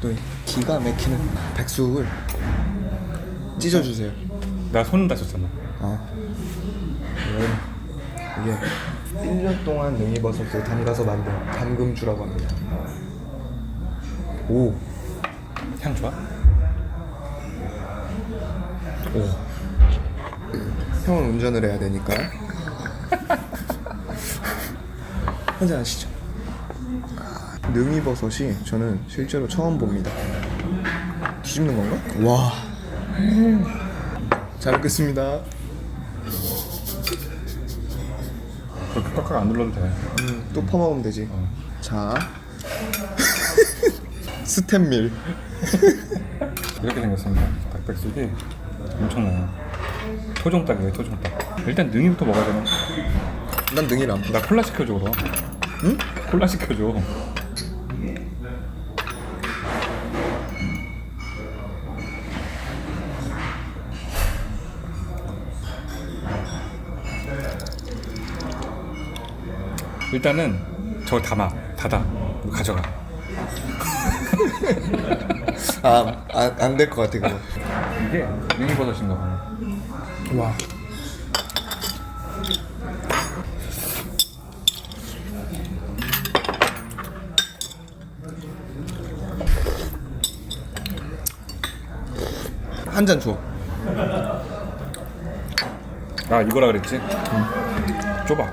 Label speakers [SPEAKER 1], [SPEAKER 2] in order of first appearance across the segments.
[SPEAKER 1] 또 기가 막히는 백숙을 찢어주세요.
[SPEAKER 2] 나 손은 다쳤잖아.
[SPEAKER 1] 이게 1년 동안 능이버섯을 담가서 만든 담금주라고 합니다. 오,
[SPEAKER 2] 향 좋아?
[SPEAKER 1] 오. 형은 운전을 해야 되니까 한잔 하시죠. 능이버섯이 저는 실제로 처음 봅니다. 뒤집는 건가? 와. 잘 먹겠습니다.
[SPEAKER 2] 그렇게 꽉꽉 안 눌러도 돼.
[SPEAKER 1] 또 퍼먹으면 되지. 자. 스탠밀.
[SPEAKER 2] 이렇게 생겼습니다. 닭백숙이 엄청나요. 토종닭이에요, 토종닭. 일단 능이부터 먹어야 되나?
[SPEAKER 1] 난 능이를 안
[SPEAKER 2] 나 콜라 시켜줘 그럼.
[SPEAKER 1] 응?
[SPEAKER 2] 콜라 시켜줘. 일단은 저거 닫아. 이거 가져가.
[SPEAKER 1] 안 될 것 같아 그거.
[SPEAKER 2] 이게 능이버섯인가 봐.
[SPEAKER 1] 와. 한 잔 줘.
[SPEAKER 2] 아 이거라 그랬지? 좁아.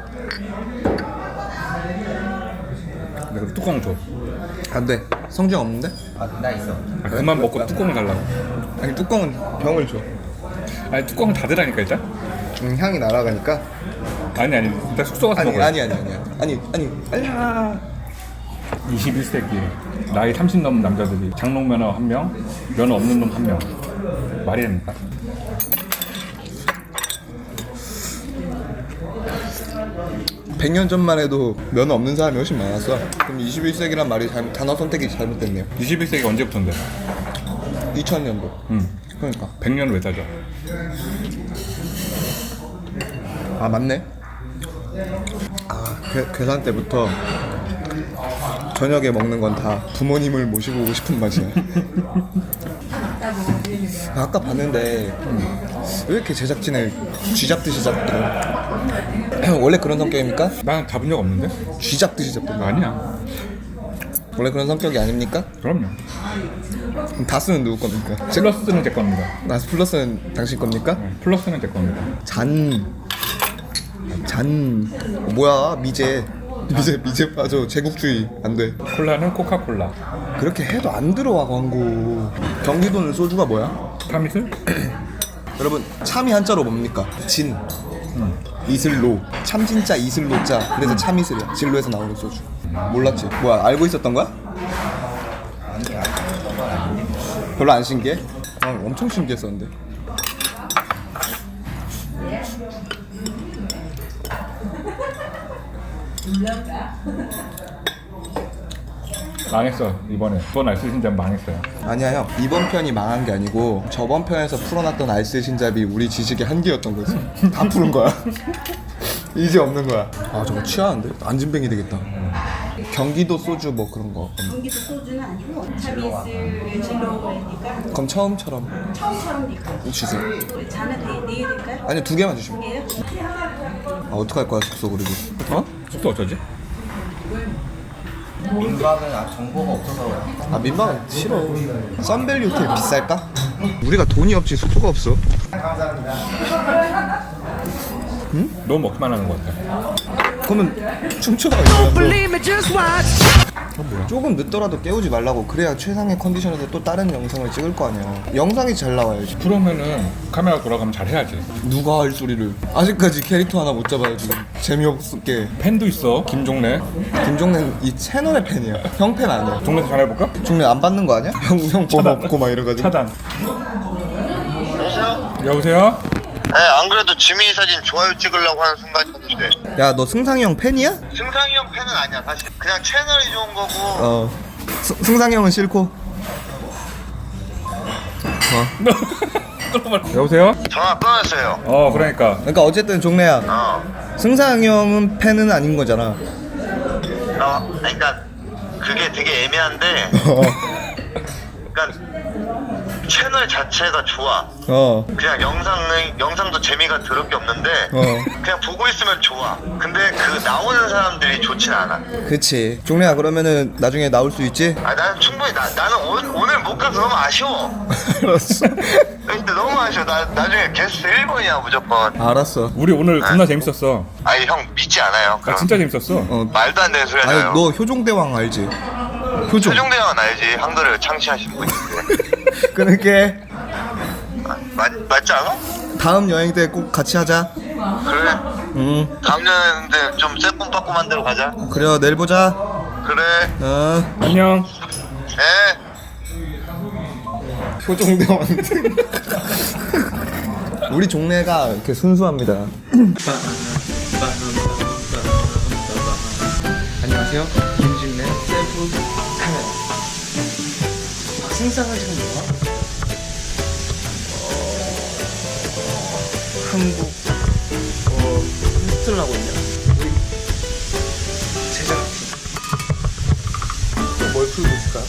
[SPEAKER 2] 내가 뚜껑 줘.
[SPEAKER 1] 안 돼. 성경 없는데?
[SPEAKER 3] 나 있어.
[SPEAKER 2] 아, 그만 먹고 뚜껑을 달라고.
[SPEAKER 1] 아니 뚜껑은 병을 줘.
[SPEAKER 2] 아니 뚜껑을 닫으라니까 일단.
[SPEAKER 1] 향이 날아가니까.
[SPEAKER 2] 아니 일단 숙소 가서
[SPEAKER 1] 아니
[SPEAKER 2] 먹어야
[SPEAKER 1] 아니. 아니야.
[SPEAKER 2] 21세기 나이 30 넘은 남자들이 장롱 면허 1명, 면허 없는 놈 1명. 말이 됩니까?
[SPEAKER 1] 백 년 전만 해도 면허 없는 사람이 훨씬 많았어. 그럼 21세기란 말이 단어 선택이 잘못됐네요.
[SPEAKER 2] 21세기 언제부터인데?
[SPEAKER 1] 2000년도. 그러니까.
[SPEAKER 2] 100년을 왜 따져?
[SPEAKER 1] 아 맞네. 아 괴산 때부터 저녁에 먹는 건 다 부모님을 모시고 오고 싶은 맛이야. 아까 봤는데 왜 이렇게 제작진을 쥐잡듯이 잡더라. 원래 그런 성격입니까?
[SPEAKER 2] 난 잡은 적 없는데?
[SPEAKER 1] 쥐잡듯이 잡더라.
[SPEAKER 2] 아니야.
[SPEAKER 1] 원래 그런 성격이 아닙니까?
[SPEAKER 2] 그럼요.
[SPEAKER 1] 그럼 다스는 누구 겁니까?
[SPEAKER 2] 플러스는 제 겁니다.
[SPEAKER 1] 나스 플러스는 당신 겁니까?
[SPEAKER 2] 플러스는 제 겁니다.
[SPEAKER 1] 뭐야 미제 빠져. 제국주의 안돼.
[SPEAKER 2] 콜라는 코카콜라.
[SPEAKER 1] 그렇게 해도 안 들어와 광고. 경기도는 소주가 뭐야?
[SPEAKER 2] 타미슬?
[SPEAKER 1] 여러분 참이 한자로 뭡니까? 진 이슬로. 참 진짜 이슬로자. 그래서 참이슬이야. 진로에서 나오는 소주. 몰랐지? 뭐야 알고 있었던 거야? 별로 안 신기해? 엄청 신기했었는데.
[SPEAKER 2] 망했어 이번에. 이번 알쓸신잡 망했어요.
[SPEAKER 1] 아니야 형, 이번 편이 망한 게 아니고 저번 편에서 풀어놨던 알쓸신잡이 우리 지식의 한계였던 거지. 다 푸른 거야. 이제 없는 거야. 아 저거 취하는데? 안진뱅이 되겠다. 경기도 소주 뭐 그런 거.
[SPEAKER 4] 경기도 소주는 아니고 차비스 진로 그러니까
[SPEAKER 1] 그럼 처음처럼
[SPEAKER 4] 처음처럼 니까
[SPEAKER 1] 주세요.
[SPEAKER 4] 잔은 네 개일까요?
[SPEAKER 1] 아니 2개만 주시면.
[SPEAKER 4] 개요?
[SPEAKER 1] 아 어떡할 거야 숙소 그리고. 어?
[SPEAKER 2] 숙소 어쩌지?
[SPEAKER 3] 민박은 정보가 없어서.
[SPEAKER 1] 아 민방은 싫어. 썬밸리 호텔 비쌀까? 우리가 돈이 없지 숙소가 없어.
[SPEAKER 2] 너무 먹기만 하는 것 같아.
[SPEAKER 1] 그러면 춤춰가. 조금 늦더라도 깨우지 말라고. 그래야 최상의 컨디션에서 또 다른 영상을 찍을 거 아니야. 영상이 잘 나와야지.
[SPEAKER 2] 그러면은 카메라 돌아가면 잘 해야지.
[SPEAKER 1] 누가 할 소리를. 아직까지 캐릭터 하나 못 잡아요 지금. 재미없게.
[SPEAKER 2] 팬도 있어. 김종래.
[SPEAKER 1] 김종래는 이 채널의 팬이야. 형 팬 아니야.
[SPEAKER 2] 종래 전화해볼까?
[SPEAKER 1] 종래 안 받는 거 아니야? 형 뭐 먹고 막 이래가지고.
[SPEAKER 2] 차단.
[SPEAKER 5] 여보세요?
[SPEAKER 2] 여보세요?
[SPEAKER 5] 네, 안 그래도 지민이 사진 좋아요 찍으려고 하는 순간이었는데
[SPEAKER 1] 야 너 승상이 형 팬이야?
[SPEAKER 5] 승상이 형 팬은 아니야 사실. 그냥 채널이 좋은 거고.
[SPEAKER 1] 어. 승상이 형은 싫고.
[SPEAKER 2] 여보세요?
[SPEAKER 5] 전화 끊었어요.
[SPEAKER 2] 그러니까.
[SPEAKER 1] 그러니까 어쨌든 종래야. 승상이 형은 팬은 아닌 거잖아.
[SPEAKER 5] 그러니까 그게 되게 애매한데 그러니까 채널 자체가 좋아. 그냥 영상도 재미가 더럽게 없는데 그냥 보고 있으면 좋아. 근데 그 나오는 사람들이 좋진 않아.
[SPEAKER 1] 그치. 종래야, 그러면은 나중에 나올 수 있지?
[SPEAKER 5] 아 나는 충분히 나는 오늘 못 가서 너무 아쉬워.
[SPEAKER 1] 알았어.
[SPEAKER 5] 근데 너무 아쉬워. 나중에 게스트 1번이야 무조건.
[SPEAKER 1] 알았어.
[SPEAKER 2] 우리 오늘 겁나 재밌었어.
[SPEAKER 5] 아니 형 믿지 않아요.
[SPEAKER 2] 나
[SPEAKER 5] 그럼.
[SPEAKER 2] 진짜 재밌었어.
[SPEAKER 5] 말도 안 되는 소리
[SPEAKER 1] 아니,
[SPEAKER 5] 하잖아요.
[SPEAKER 1] 너 효종대왕 알지? 효종.
[SPEAKER 5] 최종대왕은 알지. 한글을 창시하신 분인데.
[SPEAKER 1] 그러니까
[SPEAKER 5] 맞지 않아?
[SPEAKER 1] 다음 여행 때 꼭 같이 하자.
[SPEAKER 5] 그래. 다음 년인데 좀 새콤빠꼼한 데로 가자.
[SPEAKER 1] 그래, 내일 보자.
[SPEAKER 5] 그래.
[SPEAKER 2] 안녕.
[SPEAKER 5] 에.
[SPEAKER 1] 효종대왕. 우리 종래가 이렇게 순수합니다.
[SPEAKER 6] 안녕하세요. 김진래 셀프 카메라. 생상을 지금 뭐야? 한국 콘서트를 하고 있냐? 우리 제작진. 뭘 풀고 있을까요?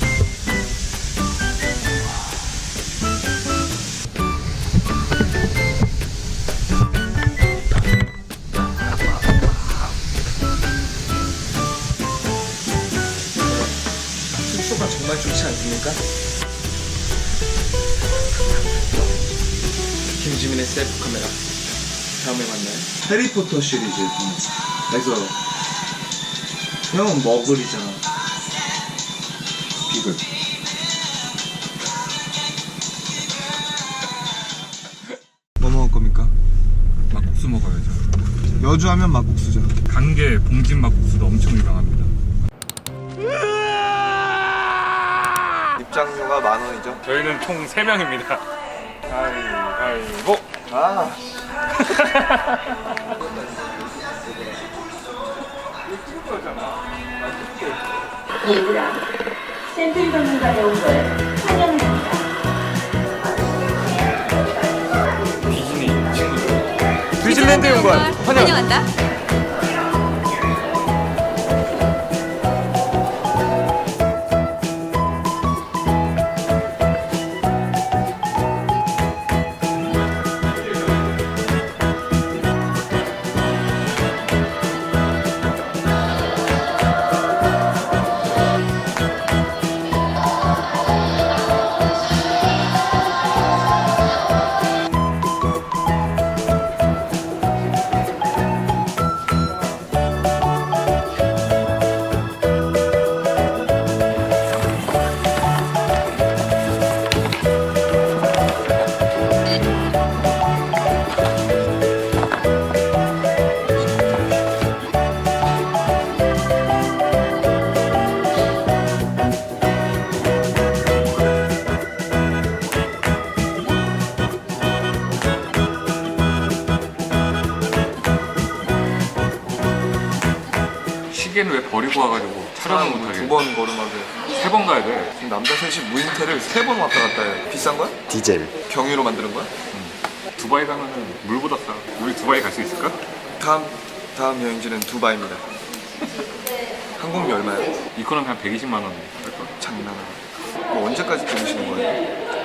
[SPEAKER 6] 숙소가 정말 좋지 않습니까? 김지민의 셀프 카메라. 다음에 만나요. 해리포터 시리즈. 그래서 형은 머글이잖아. 비글.
[SPEAKER 1] 뭐 먹을 겁니까?
[SPEAKER 2] 막국수 먹어야죠.
[SPEAKER 1] 여주하면 막국수죠.
[SPEAKER 2] 강계 봉진 막국수도 엄청 유명합니다.
[SPEAKER 1] 입장료가 10,000원이죠.
[SPEAKER 2] 저희는 총 3명입니다. 아이고.
[SPEAKER 1] 아.
[SPEAKER 4] 얘들아, 샘플 전문가에 온 걸 환영합니다.
[SPEAKER 1] 디즈니랜드에 온 거야.
[SPEAKER 7] 환영한다.
[SPEAKER 2] 시계는 왜 버리고 와가지고 촬영을 못하게.
[SPEAKER 1] 2번 걸음하게.
[SPEAKER 2] 3번 가야 돼.
[SPEAKER 1] 지금 남자 셋이 무인텔을 3번 왔다 갔다 해. 비싼 거야?
[SPEAKER 3] 디젤.
[SPEAKER 1] 경유로 만드는 거야?
[SPEAKER 2] 두바이 가면은 물보다 싸. 우리 두바이 갈 수 있을까?
[SPEAKER 1] 다음 여행지는 두바이입니다. 항공비 얼마야?
[SPEAKER 2] 이코노미 한 120만 원 할까?
[SPEAKER 1] 장난하네. 뭐 언제까지 들으시는 거예요?